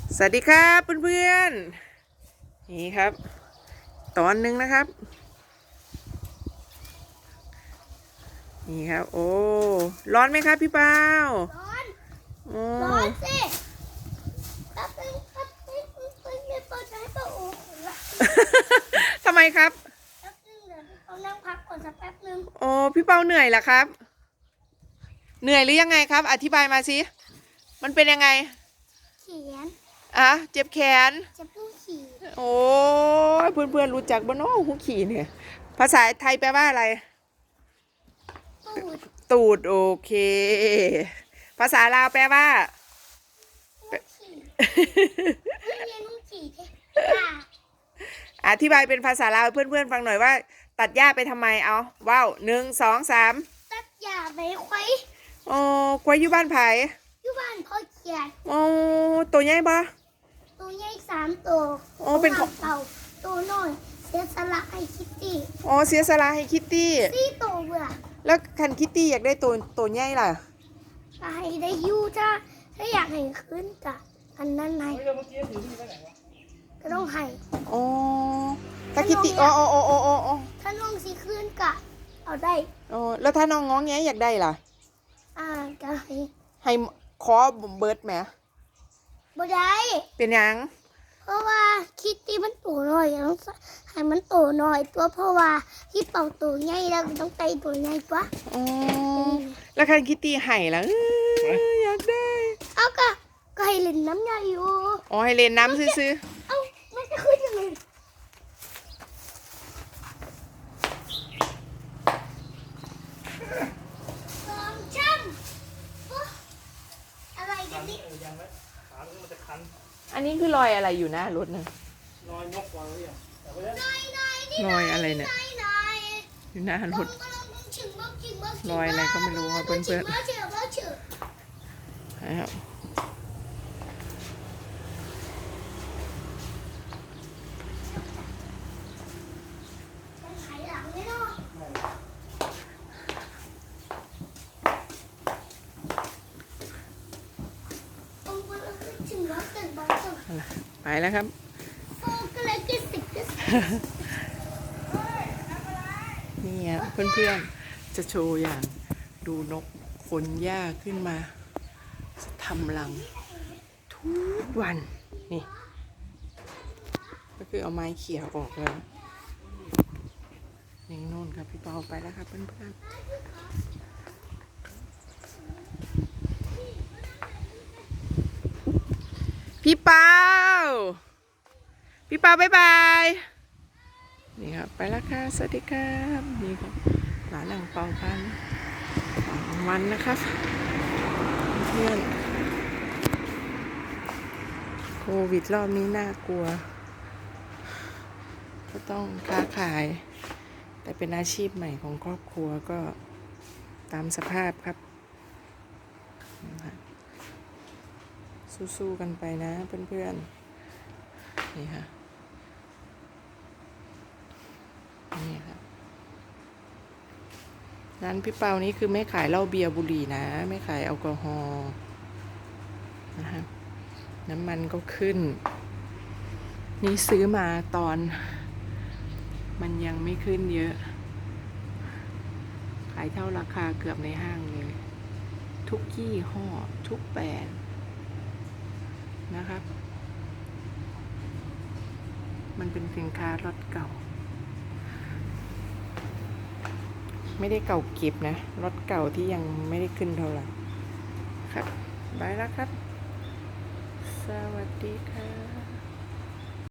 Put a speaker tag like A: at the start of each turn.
A: สวัสดีครับเพื่อนๆนี่ครับตอนหนึ่งนะครับนี่ครับโอ้ร้อนไหมครับพี่เปา
B: ร้อน
A: โอ้
B: ร้อนสิแป๊บนึงครับไม่เปิดให้ป้าโอ้ละ
A: ทำไมครับ
B: แป๊บนึงเดี๋ยวเขานั่งพักก่อนสักแป๊บนึง
A: โอ้พี่เปาเหนื่อยเหรอครับเหนื่อยหรือยังไงครับอธิบายมาสิมันเป็นยังไง
B: เขียน
A: อ่ะเจ็บแขน
B: จะพูดขี่
A: โอ้เพื่อนๆรู้จักบ้านโอ้หูขี่เนี่ยภาษาไทยแปลว่าอะไร
B: ตูด
A: ตูดโอเคภาษาลาวแปลว่า
B: หูขี่ไม่เรียนหูขี่เท่
A: อธิบายเป็นภาษาลาวเพื่อนๆฟังหน่อยว่า ตัดหญ้าไปทำไมเอาว้าว1 2 3
B: ตัดหญ้าไปไว้
A: โอ้ควายอยู่บ้านไผ่
B: อยู่บ้านพ่อเขียน
A: โอ้ตัวใหญ่ปะ
B: ตัวใหญ่3 ตัว
A: โอ้เป็นของ
B: เต่าตัวน้อยเสียสละให้คิตตี้
A: อ๋อเสียสละให้คิตตี้
B: 4 ตัวเบื่อ
A: แล้วคันคิตตี้อยากได้ตัวใหญ่ล่ะ
B: ให้ได้อยู่ถ้าอยากให้ขึ้นกะอันนั้นให้ก็ต้องให้
A: อ๋อถ้าคิตตี้อ๋อ
B: ถ้าน้องสิขึ้นกะเอาได้
A: อ๋อแล้วถ้าน้องง้องแงอยากได้ล่ะ
B: ก็
A: ให้ขอเบิร์ดไหม
B: บ่ได้
A: เป็นยัง
B: เพราะว่าคิตตี้มันตัวน้อยต้องให้มันตัวน้อยตัวเพราะว่าที่เป่าตัวใหญ่แล้วต้องไปตัวใหญ่กว่า
A: อ๋อแล้วคันคิตตี้ให้ล่ะอยากได้
B: เอาก็ให้เล่นน้ำใหญ่อยู่
A: อ๋อให้เล่นน้ำซื้อ
B: เอามันจะขึ้นยังไงสองช่ำอะไรกันนี่
A: อันนี้คือรอยอะไรอยู่นะรถนะ
B: น้อย
A: รอยอะไรเนี่ย
B: น้อย
A: อยู่หน้ารถรอยอะไรก็ไม่รู้ครับเพื่อนๆนะครับไปแล้วครับนี่ครับเพื่อนๆจะโชว์อย่างดูนกขนหญ้าขึ้นมาทำรังทุกวันนี่ก็คือเอาไม้เขี่ยออกแล้วนี่นู่นครับพี่เปาไปแล้วครับเพื่อนๆพี่เปาบ๊ายบายนี่ครับไปแล้วค่ะสวัสดีครับนี่ครับหลานหลังเป่าพันวันนะครับเพื่อนโควิดรอบนี้น่ากลัวก็ต้องค้าขายแต่เป็นอาชีพใหม่ของครอบครัวก็ตามสภาพครับสู้ๆกันไปนะเพื่อนๆนี่ค่ะนี่ครับร้านพี่เปานี้คือไม่ขายเหล้าเบียร์บุหรี่นะไม่ขายแอลกอฮอล์นะครับน้ำมันก็ขึ้นนี่ซื้อมาตอนมันยังไม่ขึ้นเยอะขายเท่าราคาเกือบในห้างเลยทุกยี่ห้อทุกแบรนด์นะครับมันเป็นสินค้ารถเก่าไม่ได้เก่าเก็บนะรถเก่าที่ยังไม่ได้ขึ้นเท่าไหร่ครับบายแล้วครับสวัสดีค่ะ